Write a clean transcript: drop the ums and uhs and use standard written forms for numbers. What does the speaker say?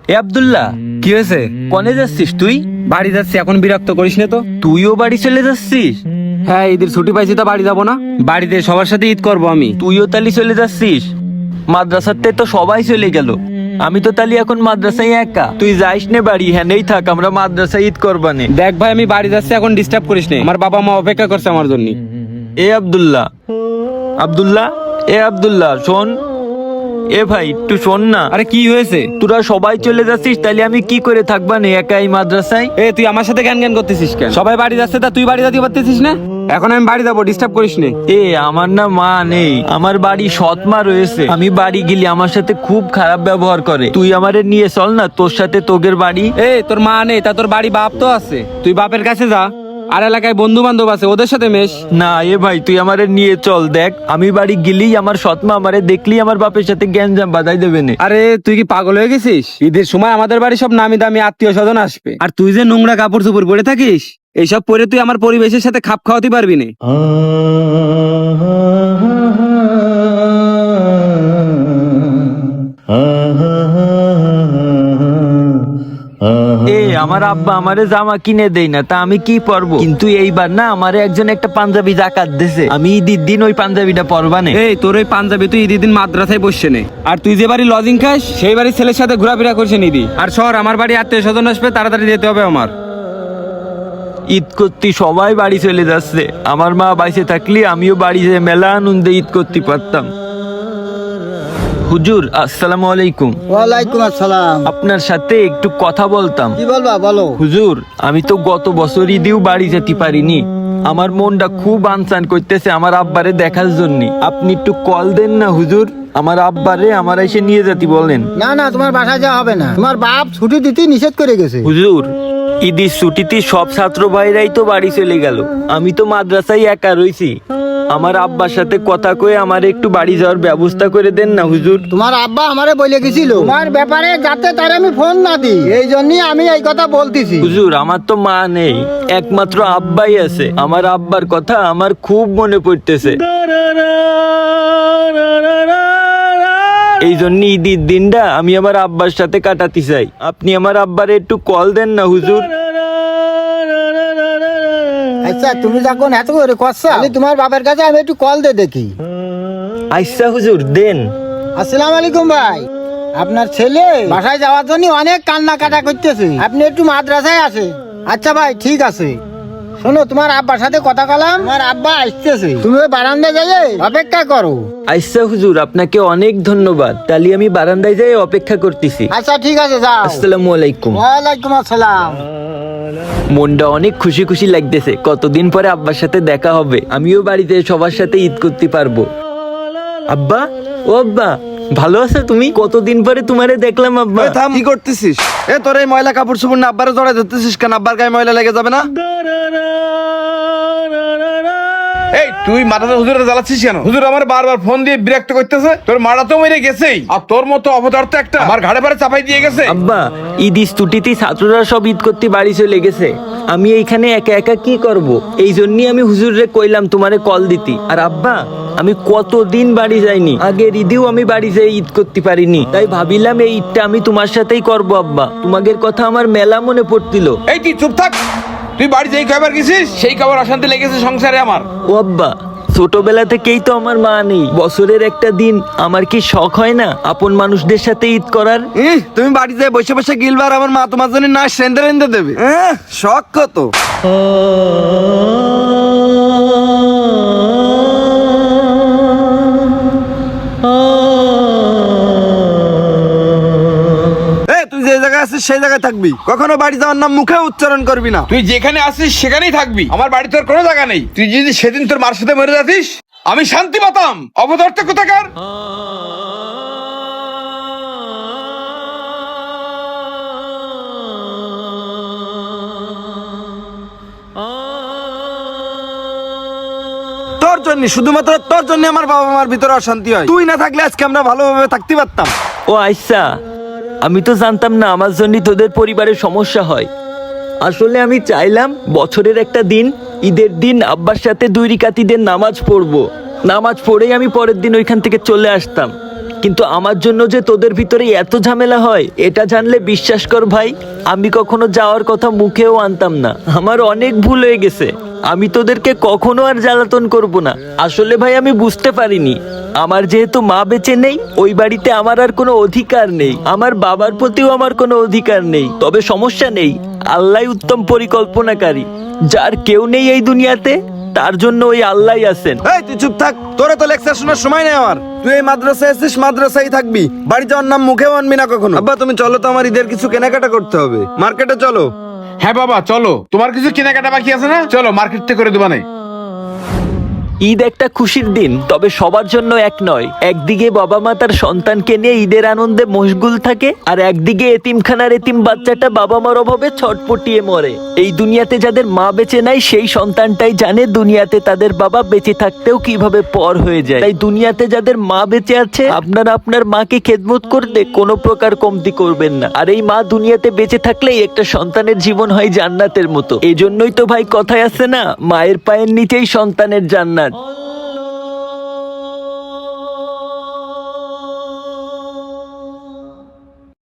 এ আব্দুল্লাহ, কি হয়েছে? কনে যাচ্ছিস তুই? বাড়ি যাচ্ছি, এখন বিরক্ত করিস না তো। তুইও বাড়ি চলে যাচ্ছিস? হ্যাঁ, ঈদের ছুটি পাইছি তো বাড়ি যাবো না? বাড়িতে সবার সাথে ঈদ করবো আমি। তুইও তালি চলে যাচ্ছিস? মাদ্রাসাতে তো সবাই চলে গেল, আমি তো তালি এখন মাদ্রাসায় একা। তুই যাইস নে বাড়ি, হ্যাঁ নেই থাক, আমরা মাদ্রাসায় ঈদ করবানে। দেখ ভাই, আমি বাড়ি যাচ্ছি, এখন ডিস্টার্ব করিস না। আমার বাবা মা অপেক্ষা করছে আমার জন্য। এ আব্দুল্লাহ, আব্দুল্লাহ, এ আব্দুল্লাহ শোন। এ ভাই একটু শোন না। আরে কি হয়েছে? তোরা সবাই চলে যাচ্ছিস, তাহলে আমি কি করে থাকবা নে একা এই মাদ্রাসায়? এ তুই আমার সাথে জ্ঞান জ্ঞান করতেছিস কেন? সবাই বাড়ি যাচ্ছে, তা তুই বাড়ি যেতে পারতেছিস না? এখন আমি বাড়ি যাবো, ডিস্টার্ব করিস না। এ আমার না মা নেই, আমার বাড়ি সৎ মা রয়েছে। আমি বাড়ি গেলে আমার সাথে খুব খারাপ ব্যবহার করে। তুই আমারে নিয়ে চল না তোর সাথে তোগের বাড়ি। এ তোর মা নেই, তা তোর বাড়ি বাপ তো আছে, তুই বাপের কাছে যা। আর এলাকায় বন্ধু বান্ধব আছে, ওদের সাথে মেশ। না এ ভাই, তুই আমারে নিয়ে চল। দেখ আমি বাড়ি গেলেই আমার সৎ মা আমারে দেখলেই আমার বাপের সাথে গ্যাঞ্জাম বাজাই দেবে না। আরে তুই কি পাগল হয়ে গেছিস? ঈদের সময় আমাদের বাড়ি সব নামি দামি আত্মীয় স্বজন আসবে, আর তুই যে নোংরা কাপড় চোপড় পরে থাকিস, এইসব পরে তুই আমার পরিবেশের সাথে খাপ খাওয়াতে পারবি না। এ আমার আব্বা আমারে জামা কিনে দেই না, তা আমি কি পরবো? কিন্তু এইবার না আমারে একজন একটা পাঞ্জাবি জাকাত দিছে, আমি ঈদের দিন ওই পাঞ্জাবিটা পরবানে। এই তোর ওই পাঞ্জাবি তুই ঈদের দিন মাদ্রাসায় বসছে নে, আর তুই যে বাড়ি লজিং খাস সেই বাড়ির ছেলের সাথে ঘোরাফেরা করছে নিদি। আর শহর আমার বাড়ি আত্মীয় স্বজন আসবে, তাড়াতাড়ি যেতে হবে আমার। ঈদ করতে সবাই বাড়ি চলে যাচ্ছে, আমার মা বাইসে থাকলে আমিও বাড়ি যেয়ে মেলা আনন্দে ঈদ করতে পারতাম। হুজুর আসসালামু আলাইকুম। ওয়ালাইকুম আসসালাম। আপনার সাথে একটু কথা বলতাম। কি বলবা বলো। হুজুর আমি তো গত বছর ঈদেও বাড়ি যেতে পারিনি, আমার মনটা খুব আনসান করতেছে আমার আব্বারে দেখার জন্য। আপনি একটু কল দেন না হুজুর, আমার আব্বারে আমার এসে নিয়ে যেতে বলেন। না না, তোমার বাসায় যাওয়া হবে না, তোমার বাপ ছুটি দিতে নিষেধ করে গেছে। হুজুর ঈদের ছুটিতে সব ছাত্র ভাইরাই তো বাড়ি চলে গেল, আমি তো মাদ্রাসায় একা রইছি। আমার আব্বার সাথে কথা কয়ে আমার একটু বাড়ি যাওয়ার ব্যবস্থা করে দেন না হুজুর। তোমার আব্বা আমারে বলে গেছিল তোমার ব্যাপারে যাতে তার আমি ফোন না দিই, এই জন্যই আমি এই কথা বলতেছি। হুজুর আমার তো মা নেই, একমাত্র আব্বাই আছে। আমার আব্বার কথা আমার খুব মনে পড়তেছে, এই জন্য ঈদের দিনটা আমি আমার আব্বার সাথে কাটাতে চাই। আপনি আমার আব্বারে একটু কল দেন না হুজুর। আচ্ছা তুমি যখন এত করে করছো, আমি তোমার বাবার কাছে আমি একটু কল দিয়ে দেখি। আচ্ছা হুজুর দেন। আসসালামু আলাইকুম ভাই, আপনার ছেলে বাসায় যাওয়ার জন্য অনেক কান্না কাটা করতেছে, আপনি একটু মাদ্রাসায় আসে। আচ্ছা ভাই ঠিক আছে। শোনো, তোমার আব্বার সাথে কথা কলাম, তোমার আব্বা আসতেছে, তুমি ওই বারান্দায় যাই অপেক্ষা করো। আচ্ছা হুজুর আপনাকে অনেক ধন্যবাদ, তাহলে আমি বারান্দায় যাই অপেক্ষা করতেছি। আচ্ছা ঠিক আছে, যাও। আসসালামু আলাইকুম। ওয়ালাইকুম আসসালাম। মনটা অনেক খুশি খুশি লাগতেছে, কতদিন পরে আব্বার সাথে দেখা হবে, আমিও বাড়িতে সবার সাথে ঈদ করতে পারবো। আব্বা, ও আব্বা, ভালো আছো তুমি? কতদিন পরে তোমারে দেখলাম আব্বা। এ থাম, কি করতেছিস? এ তোর এই ময়লা কাপড় চোপড় না আব্বারে জড়াই ধরতেছিস কেন? আব্বার গায়ে ময়লা লেগে যাবে না? এই তুই মাথাতে হুজুরে জ্বালাচ্ছিস কেন? হুজুর আমার বারবার ফোন দিয়ে বিরক্ত করতেছে। তোর মারা তো মেরে গেছেই, আর তোর মতো অপদার্থ একটা আমার ঘাড়ে পারে চাপাই দিয়ে গেছে। আব্বা ঈদ ছুটিতে ছাত্ররা সব ঈদ করতে বাড়ি চলে গেছে, আমি এইখানে একা একা কি করব? এই জন্যই আমি হুজুরে কইলাম তোমারে কল দিতি। আর আব্বা আমি কতদিন বাড়ি যাইনি, আগের ঈদেও আমি বাড়ি যাই ঈদ করতে পারিনি, তাই ভাবিলাম এই ঈদটা আমি তোমার সাথেই করব। আব্বা তোমাদের কথা আমার মেলা মনে পড়তিল। এই তুই চুপ থাক, তুই বাড়ি যেই খাবার গেছিস সেই খাবার অশান্তি লেগেছে সংসারে আমার। ও আব্বা ছোটবেলা থেকেই তো আমার মা নেই, বছরের একটা দিন আমার কি শখ হয় না আপন মানুষদের সাথে ঈদ করার? তুমি বাড়ি যায় বসে বসে গিলবার, আমার মা তোমার জন্য না সেন্দে রেন্দে দেবে। শখ কত। তুই যে জায়গায় আছিস সেই জায়গায় থাকবি, কখনো বাড়ি যাওয়ার নাম মুখে উচ্চারণ করবি না। তুই যেখানে আসিস সেখানেই থাকবি, আমার বাড়ি তোর কোনো জায়গা নেই। তুই যদি সেদিন তোর মার সাথে মরে যাতিস আমি শান্তি পেতাম। অপদার্থ কোথাকার। তোর জন্য, শুধুমাত্র তোর জন্য আমার বাবা মার ভিতরে অশান্তি হয়। তুই না থাকলে আজকে আমরা ভালোভাবে থাকতে পারতাম। ও আচ্ছা, আমি তো জানতাম না আমার জন্য তোদের পরিবারের সমস্যা হয়। আসলে আমি চাইলাম বছরের একটা দিন, ঈদের দিন আব্বার সাথে 2 রাকাত ঈদের নামাজ পড়বো, নামাজ পড়েই আমি পরের দিন ওইখান থেকে চলে আসতাম। কিন্তু আমার জন্য যে তোদের ভিতরে এত ঝামেলা হয় এটা জানলে বিশ্বাস কর ভাই, আমি কখনো যাওয়ার কথা মুখেও আনতাম না। আমার অনেক ভুল হয়ে গেছে, আমি তোদেরকে কখনো আর জ্বালাতন করব না। আসলে ভাই আমি বুঝতে পারিনি, আমার যেহেতু মা বেঁচে নেই, ওই বাড়িতে আমার আর কোনো অধিকার নেই, আমার বাবার প্রতিও আমার কোনো অধিকার নেই। তবে সমস্যা নেই, আল্লাহ উত্তম পরিকল্পনাকারী, যার কেউ নেই এই দুনিয়াতে তার জন্য ওই আল্লাহ আছেন। এই তুই চুপ থাক, তোরে তো লেকচার শোনার সময় নেই আমার। তুই এই মাদ্রাসায় এসেছিস, মাদ্রাসায় থাকবি, বাড়ি যাওয়ার নাম মুখেও আনবি না কখনো। আব্বা তুমি চলো তো, আমার ঈদের কিছু কেনাকাটা করতে হবে, মার্কেটে চলো। হ্যাঁ বাবা চলো, তোমার কিছু কেনাকাটা বাকি আছে না, চলো মার্কেট থেকে করে দেবা নাই। ঈদ একটা খুশির দিন, তবে সবার জন্য এক নয়। একদিকে বাবা মা তার সন্তানকে নিয়ে ঈদের আনন্দে মশগুল থাকে, আর একদিকে এতিমখানার এতিম বাচ্চাটা বাবা মার অভাবে ছটপটিয়ে মরে। এই দুনিয়াতে যাদের মা বেঁচে নাই, সেই সন্তানটাই জানে দুনিয়াতে তাদের বাবা বেঁচে থাকতেও কিভাবে পর হয়ে যায়। তাই দুনিয়াতে যাদের মা বেঁচে আছে, আপনারা আপনার মাকে খেদমত করতে কোনো প্রকার কমতি করবেন না। আর এই মা দুনিয়াতে বেঁচে থাকলেই একটা সন্তানের জীবন হয় জান্নাতের মতো। এই জন্যই তো ভাই কথায় আছে না, মায়ের পায়ের নিচেই সন্তানের জান্নাত।